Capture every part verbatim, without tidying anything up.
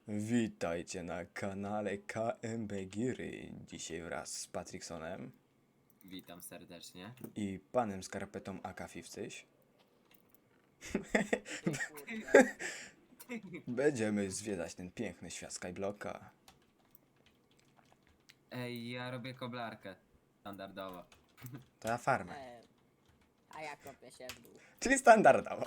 Witajcie na kanale K M B Giry. Dzisiaj wraz z Patricksonem Witam serdecznie. i panem skarpetą A K pięćdziesiąt będziemy zwiedzać ten piękny świat Skyblocka. Ej, ja robię koblarkę. Standardowo. To ja farmę, E, a ja kopię się w dół. czyli standardowo.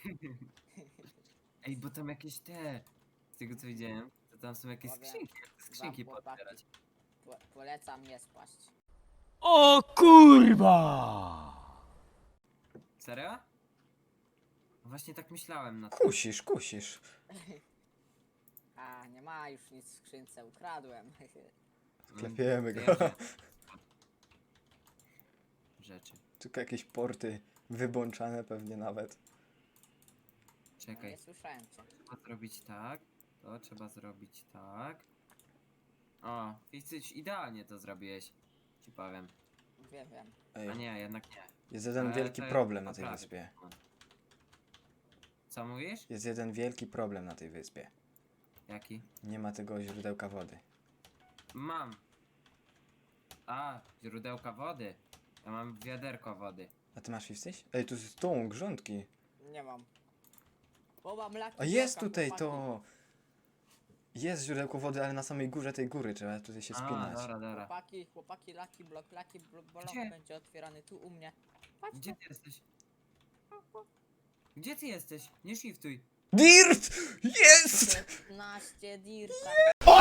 Ej, bo tam jakieś te... Z tego co widziałem, to tam są jakieś Powiem skrzynki. Jak te skrzynki wam, chłopaki. podbierać. Po, polecam nie spaść. O kurwa! Serio? Właśnie tak myślałem na to. Kusisz, kusisz. A, nie ma już nic w skrzynce, ukradłem. Klepiemy To go. ja wiem. Rzeczy. Tylko jakieś porty wybączane pewnie nawet. No, Czekaj. nie słyszałem cię. Trzeba zrobić tak. To trzeba zrobić tak. O, Ficyć, idealnie to zrobiłeś. Ci powiem. Wiem, wiem. Ej, A nie, jednak nie. jest jeden Ale wielki to problem na tej poprawię. wyspie. Co mówisz? Jest jeden wielki problem na tej wyspie. Jaki? Nie ma tego źródełka wody. Mam. A, źródełka wody. Ja mam wiaderko wody. A ty masz pięćdziesiąt? Ej, tu jest tą grządki. Nie mam. Bo mam laki A jest bloka, tutaj chłopaki. to! Jest źródełko wody, ale na samej górze tej góry trzeba tutaj się A, spinać. dobra, dobra. Chłopaki, chłopaki, laki blok, laki blok, blok Gdzie? będzie otwierany tu u mnie. Patrzcie. Gdzie ty jesteś? Gdzie ty jesteś? Nie shiftuj. Dirt! Jest! piętnaście dirta.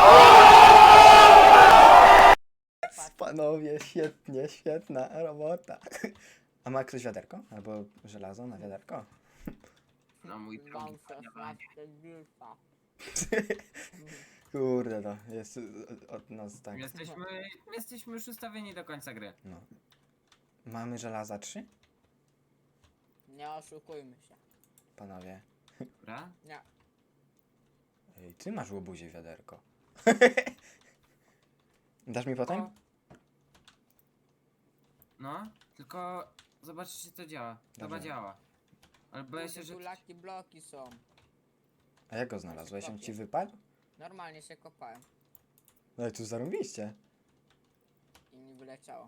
Panowie, świetnie, świetna robota. A ma ktoś wiaderko? Albo żelazo na wiaderko? No mój drogi. Mam szesnaście dirta. Kurde no, jest y, od nas tak. Jesteśmy, jesteśmy już ustawieni do końca gry. No. Mamy żelaza trzy? Nie oszukujmy się. Panowie. Dobra? Nie. Ej, ty masz łobuzie wiaderko. Dasz mi potem? O. No, tylko zobaczcie czy to działa. Chyba Dobra. działa. Ale boję się, Kurde, że... tu laki bloki są. A jak go znalazłeś? On ci wypadł? Normalnie się kopałem No i tu zarąbiście. i mi wyleciało.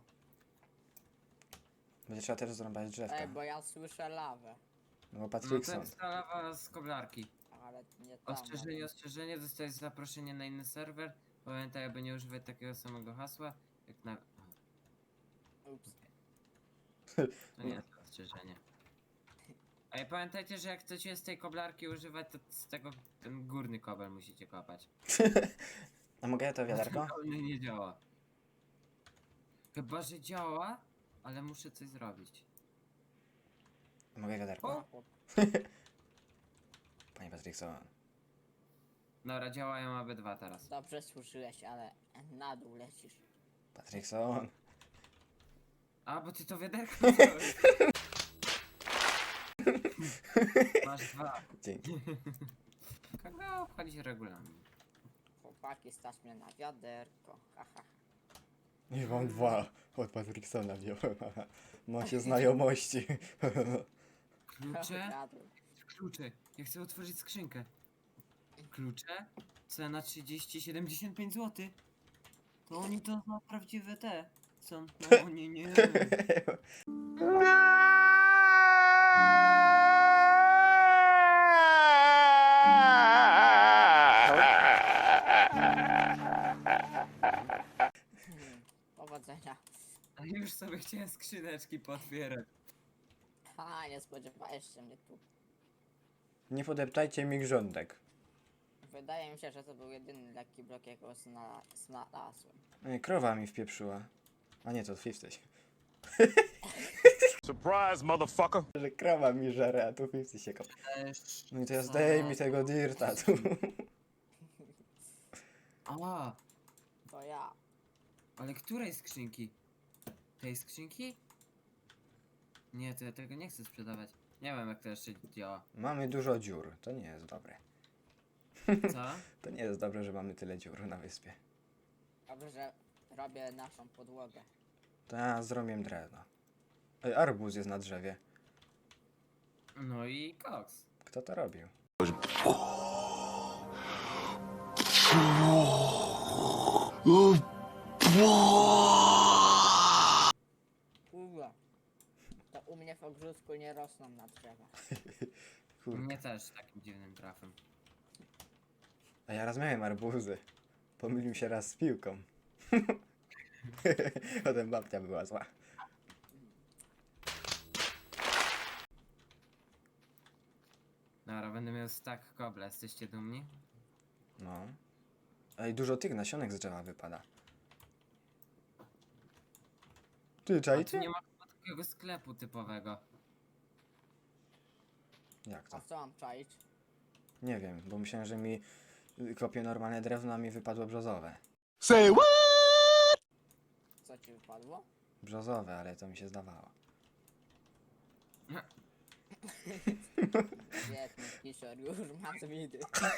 Będzie trzeba też zrąbać drzewka. Ej, bo ja słyszę lawę. No bo No to Patrickson. jest ta lawa z koblarki. Ale nie tam. Ostrzeżenie, ostrzeżenie, dostajesz zaproszenie na inny serwer. Pamiętaj, aby nie używać takiego samego hasła, jak na... Ups. To nie jest ostrzeżenie. Ej, pamiętajcie, że jak chcecie z tej koblarki używać, to z tego ten górny kobel musicie kopać. A mogę ja to wiaderko? To nie działa. Chyba, że działa, ale muszę coś zrobić. Mogę wiaderko? O! Chłop. Panie Patrickson. Dobra, działają obydwa teraz. Dobrze służyłeś, ale na dół lecisz. Patrickson. A, bo ty to wiaderko wziąłeś. Masz dwa. Dzięki. Kogo obchodzi regulamin? Chłopaki, stać mnie na wiaderko. Haha. Nie mam dwa. Od Patricksona wziąłem. Ma się znajomości. Klucze? Ukradłem. Klucze. Ja chcę otworzyć skrzynkę. Klucze? Cena trzydzieści siedemdziesiąt pięć złotych. To oni to na prawdziwe te są. No nie, nie. Hmm, powodzenia. A już sobie chciałem skrzyneczki potwierać. Ha, nie spodziewałeś się mnie tu. Nie podeptajcie mi grządek. Wydaje mi się, że to był jedyny lekki blok, jakiego zna znalazłem. Ej, krowa mi wpieprzyła. A nie, to pięćdziesiąt. Surprise, motherfucker! Że krowa mi żere, a tu pięćdziesiąt się kopie. Też... No i to ja zdejmij tego dirta tu. A, To ja. ale której skrzynki? Tej skrzynki? Nie, to ja tego nie chcę sprzedawać. Nie wiem jak to jeszcze działa. Mamy dużo dziur. To nie jest dobre. Co? To nie jest dobre, że mamy tyle dziur na wyspie. Dobrze, że robię naszą podłogę. To ja zrobię drewno. Ej, arbuz jest na drzewie. No i koks. Kto to robił? Kurwa. To u mnie w ogródku nie rosną na drzewach. U Kurka. mnie też takim dziwnym trafem. A ja raz miałem arbuzy. Pomylił się raz z piłką. Potem babcia była zła. Dobra, będę miał stack kobla, jesteście dumni? No. Ej, dużo tych nasionek z drzewa wypada. Ty, A tu czajcie? nie ma chyba takiego sklepu typowego. Jak A to? co mam czaić? Nie wiem, bo myślałem, że mi kopię normalne drewno, a mi wypadło brzozowe. Say what? Co ci wypadło? Brzozowe, ale to mi się zdawało. Biedny Kisior już ma z widy.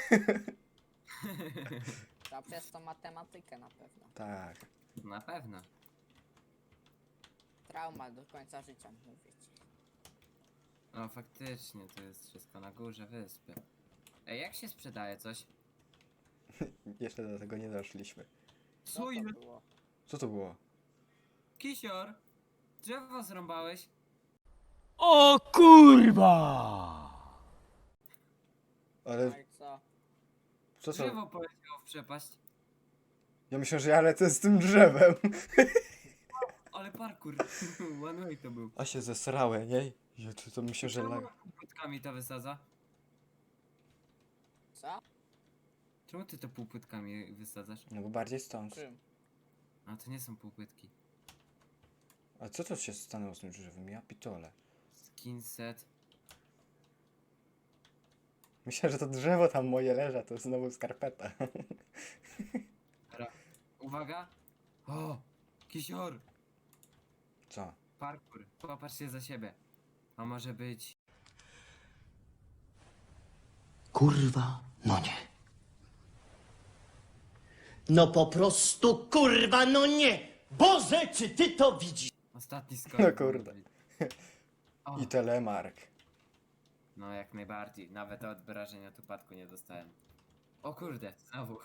To przez tą matematykę na pewno. Tak. Na pewno. Trauma do końca życia, mówię ci. O, faktycznie, to jest wszystko na górze wyspy. Ej, jak się sprzedaje coś? Jeszcze do tego nie doszliśmy. Co to było? Co to było? Kisior! Drzewo zrąbałeś? O kurwa! Ale No i co? co co? Drzewo poleciało w przepaść. Ja myślę, że ja lecę z tym drzewem. Ale parkour. One way to był. A się zesrałem, nie? Ja to, to myślę, że lag... Czemu półpłytkami to wysadza? Co? Czemu ty to półpłytkami wysadzasz? No bo bardziej stąd. Czym? A to nie są półpłytki. A co to się stanęło z tym drzewem? Ja pitole. Skin set. Myślę, że to drzewo tam moje leży, a to znowu skarpeta. Dobra. Uwaga! O! Kisior! Co? Parkour. Popatrz się za siebie. A może być... Kurwa, no nie. No po prostu kurwa, no nie! Boże, czy ty to widzisz? Ostatni skok. No kurde. O, I telemark. no jak najbardziej. Nawet od wrażenia upadku nie dostałem. O kurde, znowu.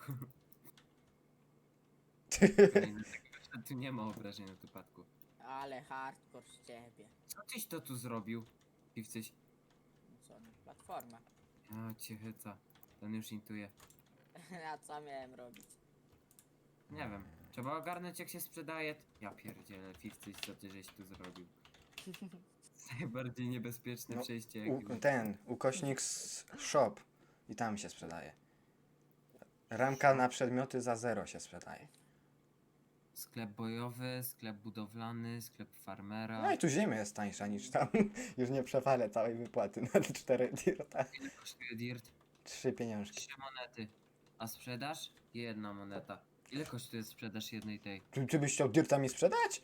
Kolejny taki, że tu nie ma obrażenia od upadku. Ale hardcore z ciebie. Co tyś to tu zrobił? Piwcyś. Co? Platforma. A cię chyca. Ten już intuje. A co miałem robić? Nie wiem. Trzeba ogarnąć jak się sprzedaje. Ja pierdzielę, Piwcyś, co ty żeś tu zrobił? Najbardziej niebezpieczne No, przejście U, jakie... ten, ukośnik s- shop. I tam się sprzedaje. Ramka na przedmioty za zero się sprzedaje. Sklep bojowy, sklep budowlany, sklep farmera. No i tu ziemia jest tańsza niż tam. Już nie przewalę całej wypłaty na te cztery dirta. Ile kosztuje dirt? Trzy pieniążki. Trzy monety. A sprzedaż? Jedna moneta. Ile kosztuje sprzedaż jednej tej? Czy, czy byś chciał dirta mi sprzedać?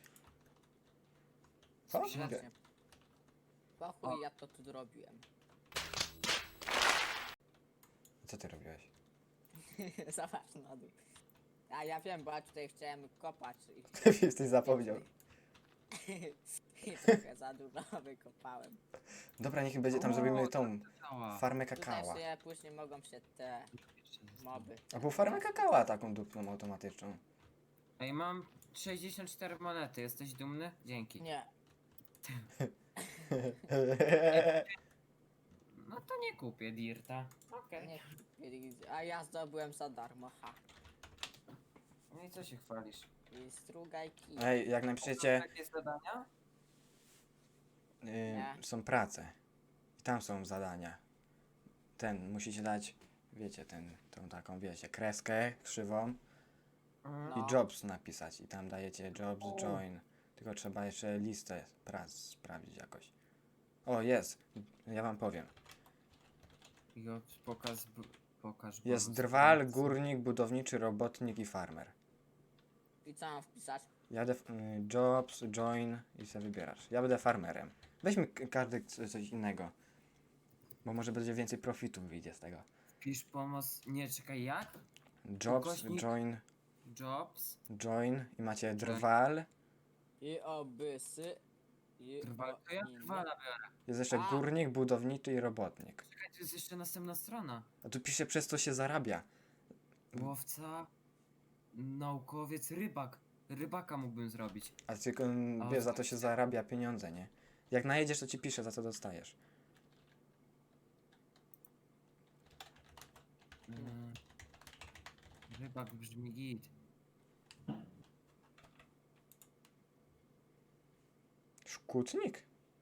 Co? Sprzedaj. Mogę. Po chuj ja to tu zrobiłem. Co ty robiłeś? Zobacz na dół. A ja wiem, bo ja tutaj chciałem kopać i Jesteś zapomniał. I trochę za dużo wykopałem. Dobra, niech będzie tam O, zrobimy tą Cała. farmę Tutaj kakała. sobie później mogą się te moby. Albo farmę kakała taką dupną automatyczną. Ej, mam sześćdziesiąt cztery monety. Jesteś dumny? Dzięki. Nie. No to nie kupię dirta. Okej. Nie. A ja zdobyłem za darmo, ha. No i co się chwalisz? I strugaj kij. Ej, jak napiszecie, Takie zadania? y, są prace. I tam są zadania. Ten, musicie dać, wiecie, ten, tą taką, wiecie, kreskę krzywą Mhm. No. i jobs napisać. I tam dajecie jobs, join. Tylko trzeba jeszcze listę prac sprawdzić jakoś. O, jest. Ja wam powiem. Jo, pokaż, b- pokaż. Jest bonus drwal, pracy. górnik, budowniczy, robotnik i farmer. I co mam wpisać? Ja będę y, jobs, join i sobie wybierasz. Ja będę farmerem. Weźmy k- każdy c- coś innego. Bo może będzie więcej profitu wyjdzie z tego. Pisz pomoc. Nie, czekaj, jak? Jobs, Ukośnik. join, Jobs. join i macie drwal. I obysy. I Drwal. To ja o inne. drwala biorę. Jest jeszcze A. górnik, budowniczy i robotnik. Czekaj, tu jest jeszcze następna strona. A tu pisze przez co się zarabia. Łowca, naukowiec, rybak. Rybaka mógłbym zrobić. A tylko mm, A wiesz, za to tak. się zarabia pieniądze, nie? Jak najedziesz, to ci pisze, za co dostajesz. Mm. Rybak brzmi git. Szkutnik?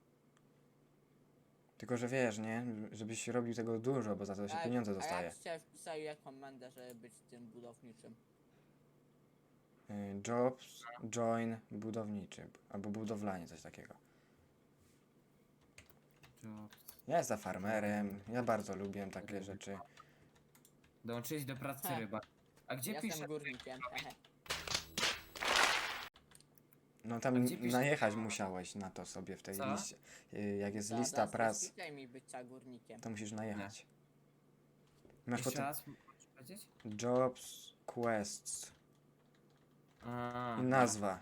Tylko, że wiesz, nie? Żebyś robił tego dużo, bo za to się A- pieniądze A dostaje. jak cię wpisali jak komendę, żeby być tym budowniczym? Y, Jobs, join, budowniczy. Albo budowlanie, coś takiego. Jobs. Ja jestem farmerem, ja bardzo lubię takie rzeczy. Dołączyłeś do pracy Ha. rybak. A gdzie Jestem pisze? górnikiem. hehe. No A tam gdzie pisze- najechać musiałeś na to sobie w tej Co? liście. Y, Jak jest Da- lista da- prac, Skipaj mi bycia górnikiem. to musisz najechać. Masz Jeszcze potem raz możesz powiedzieć? jobs, quests A, i nazwa.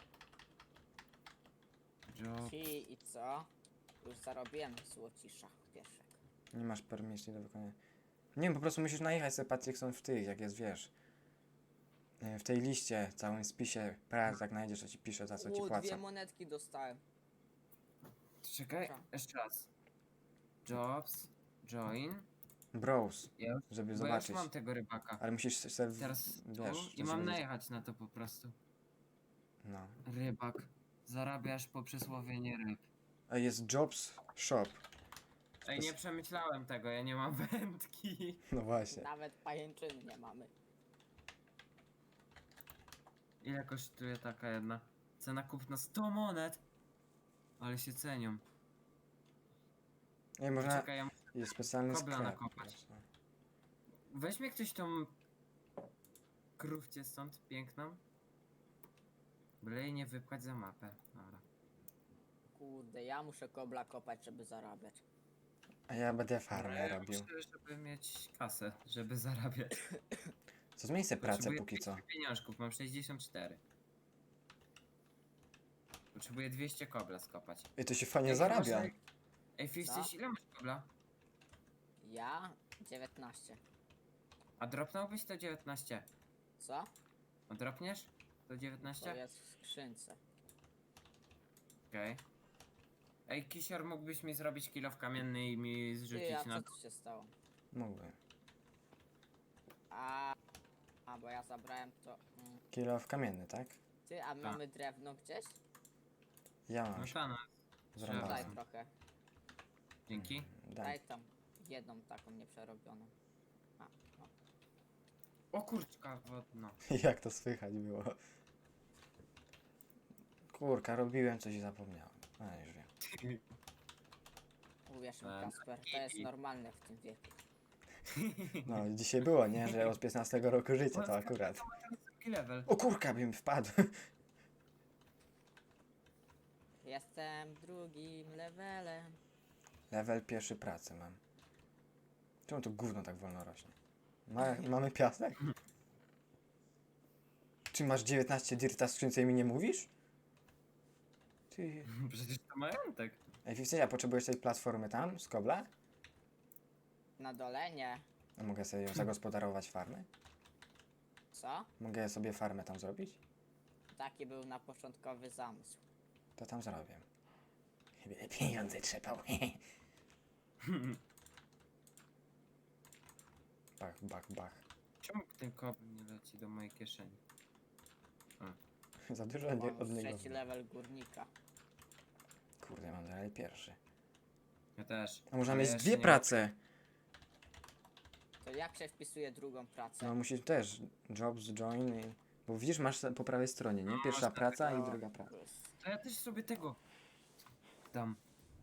Job. Ci i co? Już zarobiłem złocisza pieszek. Nie masz permisji do wykonania. Nie wiem, po prostu musisz najechać sobie patrzeć, jak są w tych, jak jest, wiesz. y, W tej liście, całym spisie prac, jak znajdziesz, to ci pisze, za co ci O, dwie płacą. monetki dostałem. Czekaj, Co? jeszcze raz. Jobs, join. Browse, Ja już, żeby bo ja już zobaczyć. mam tego rybaka. Ale musisz sobie, w- Teraz tu wiesz, i to mam sobie- najechać na to po prostu. No. Rybak. Zarabiasz poprzez łowienie ryb. A jest jobs shop. Ej, nie przemyślałem tego, ja nie mam wędki. No właśnie. Nawet pajęczyny nie mamy. Ile kosztuje taka jedna? Cena kupna sto monet. Ale się cenią. Ej, można. Czekaj, ja... Jest specjalny kobla sklep. nakopać. po prostu. Weźmie ktoś tą krówcie stąd piękną. Byle jej nie wypchać za mapę. Dobra. Kurde, ja muszę kobla kopać, żeby zarabiać. A ja będę Ale farmę ja robił. muszę, żeby mieć kasę, żeby zarabiać. Co zmień sobie pracę Potrzebuję póki co. dwieście pieniążków, mam sześćdziesiąt cztery. Potrzebuję dwieście kobla skopać. I to się fajnie Ej, zarabia. może- Ej, Fisty, ile masz kobla? Ja? dziewiętnaście. A dropnąłbyś to dziewiętnaście? Co? A dropniesz? To To dziewiętnaście? jest w skrzynce. Okej. Ej, Kisior, mógłbyś mi zrobić kilo w kamienny i mi Ty, zrzucić a na... co tu się stało? Mógłbym. A, a bo ja zabrałem to. Mm. Kilo w kamienny, tak? Ty, a Tak. mamy drewno gdzieś? Ja No mam. ta, no. Zrąbane. Daj Razem. trochę. Dzięki. Daj. Daj tam jedną taką nieprzerobioną. A, no. O kurczka wodno. Jak to słychać było. Kurka, robiłem coś i zapomniałem. A już wiem. Uwierz mi, Em, Kasper, to jest normalne w tym wieku. No, dzisiaj było, nie? Że od piętnastego roku życia to akurat. Drugi level. O kurka, bym wpadł. Jestem drugim levelem. Level pierwszy pracy mam. Czemu to gówno tak wolno rośnie? Ma, mamy piasek? Czy masz dziewiętnaście dirta w skrzynce i mi nie mówisz? Ty... Przecież to majątek. Ej, Fifty, a potrzebujesz tej platformy tam, z kobla? Na dole nie. A mogę sobie ją zagospodarować farmę? Co? Mogę sobie farmę tam zrobić? Taki był na początkowy zamysł. To tam zrobię. Będę pieniądze trzepał. Bach, bach, bach. Czemu ten kobl nie leci do mojej kieszeni? Za dużo nie, Mam od niego. trzeci level górnika. Kurde, mam dalej pierwszy. Ja też. A można Ale mieć jeszcze dwie nie- prace. To jak się wpisuje drugą pracę? No musisz też. Jobs, join i... Bo widzisz, masz po prawej stronie, nie? No, Pierwsza masz praca i tego- druga praca. To ja też sobie tego dam.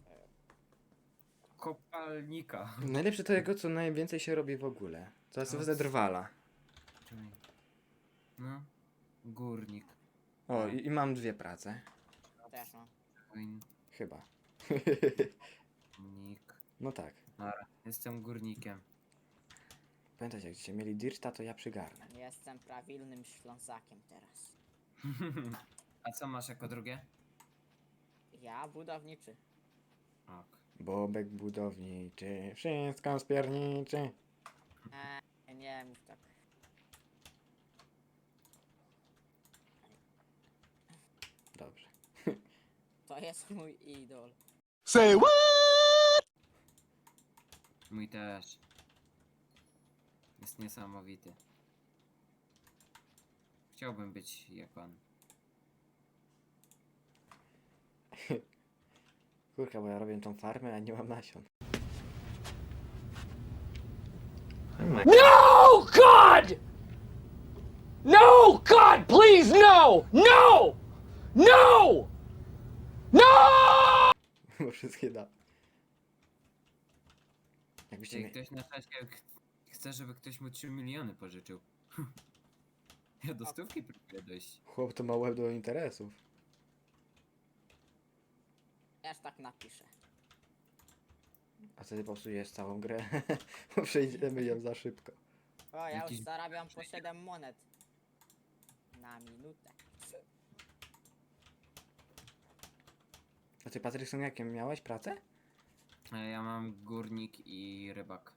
Kopalnika. Najlepsze to jego, co najwięcej się robi w ogóle. To jest No. wtedy drwala. Czyli- No. Górnik. O, i, i mam dwie prace. Też mam. Join. Chyba. Nik. No tak. Dobra, jestem górnikiem. Pamiętajcie, jak będziecie mieli dirta, to ja przygarnę. Jestem prawilnym Ślązakiem teraz. A co masz jako drugie? Ja budowniczy. Ok. Bobek budowniczy, wszystko spierniczy. Eee, nie mów tak. To jest mój idol. Say what? Mój też. Jest niesamowity. Chciałbym być jak on. Kurka, bo ja robię tą farmę, a nie mam nasion. No, God! No, God, please, no! No! No! No! Bo wszystkie da. Jakbyście Jeśli mnie... ktoś na szaszkę ch- chce, żeby ktoś mu trzy miliony pożyczył. Ja do stówki próbuję dojść. Chłop to ma łeb do interesów. Ja już tak napiszę. A wtedy popsujesz całą grę. Bo przejdziemy ją za szybko. O, ja Jakiś- już zarabiam po siedem monet. Na minutę. A ty, Patryk, są jakie miałeś pracę? E, Ja mam górnik i rybak.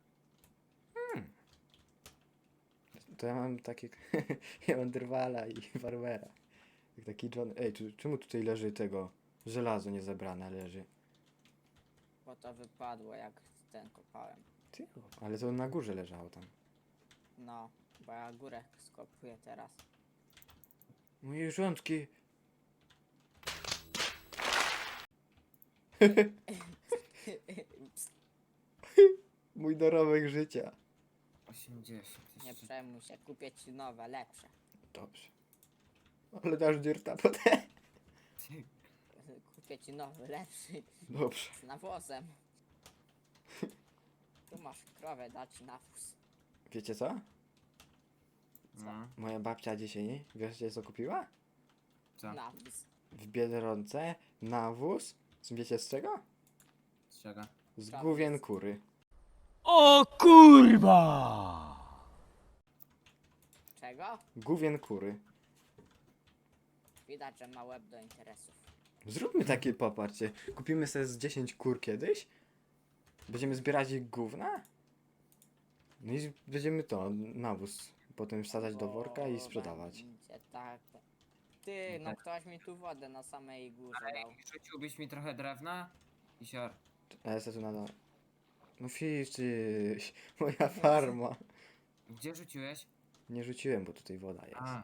To ja mam takie... ja mam drwala i farmera. Jak taki John... Ej, czy, czemu tutaj leży tego? Żelazo niezebrane leży. Bo to wypadło jak ten kopałem. Ty, ale to na górze leżało tam. No, bo ja górę skopuję teraz. Moje rządki. Mój dorobek życia. osiemdziesiąt. Nie jeszcze. przejmuj się, kupię ci nowe, lepsze. Dobrze. Ale dasz dyrta potem. Kupię ci nowy, lepszy. Dobrze. Z nawozem. Tu masz krowę, dać ci nawóz. Wiecie co? No, Moja babcia dzisiaj, wiecie co kupiła? co? Nawóz. W Biedronce nawóz. Wiecie z czego? Z czego? Z Nawóz. główien kury. O kurwa! Czego? Główien kury. Widać, że ma łeb do interesów. Zróbmy takie, popatrzcie. Kupimy sobie z dziesięć kur kiedyś. Będziemy zbierać ich gówna. No i będziemy to, nawóz. Potem wsadzać do worka i Bo sprzedawać. będzie tak. Ty, no ktoś mi tu wodę na samej górze dał. Rzuciłbyś mi trochę drewna? I sior. A ja sobie tu nadal. No ficzyś, moja farma. Gdzie rzuciłeś? Nie rzuciłem, bo tutaj woda jest. A,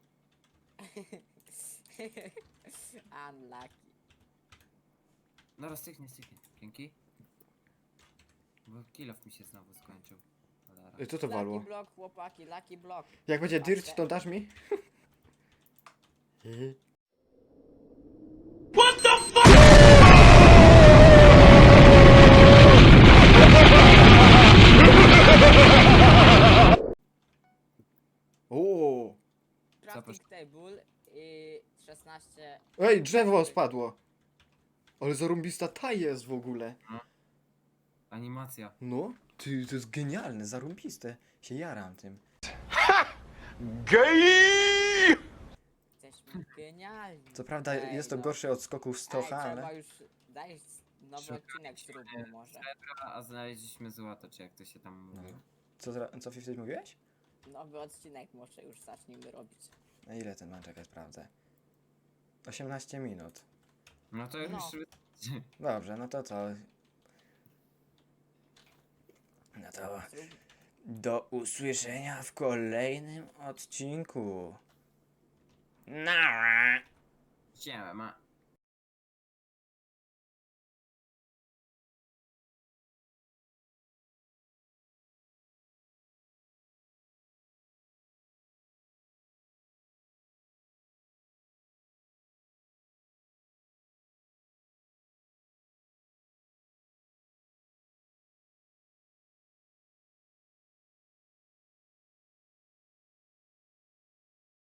Unlucky. no styknie, styknie. Dzięki. Bo kilof mi się znowu skończył. Cholera. Ej, co to walło? Lucky block, chłopaki, lucky block. Jak będzie Patrzę. dirt, to dasz mi? I- O! Crafting table i szesnaście. Ej, drzewo spadło! Ale zarąbista ta jest w ogóle. Animacja. No, ty, to jest genialne, zarąbiste. Się jaram tym. Gay! Jesteśmy genialni. Co prawda Ej, jest to no. gorsze od skoków Ej, Stocha, trzeba ale... już. Daj nowy Szukamy odcinek zróbmy może. A, a znaleźliśmy złoto, czy jak to się tam No. mówi. Co, zra- co wtedy mówiłeś? Nowy odcinek może już zacznijmy robić. Na ile ten ma czekać, sprawdzę. osiemnaście minut. No to już... No. Dobrze, no to co? No to Zrób... do usłyszenia w kolejnym odcinku. Nara! Siema.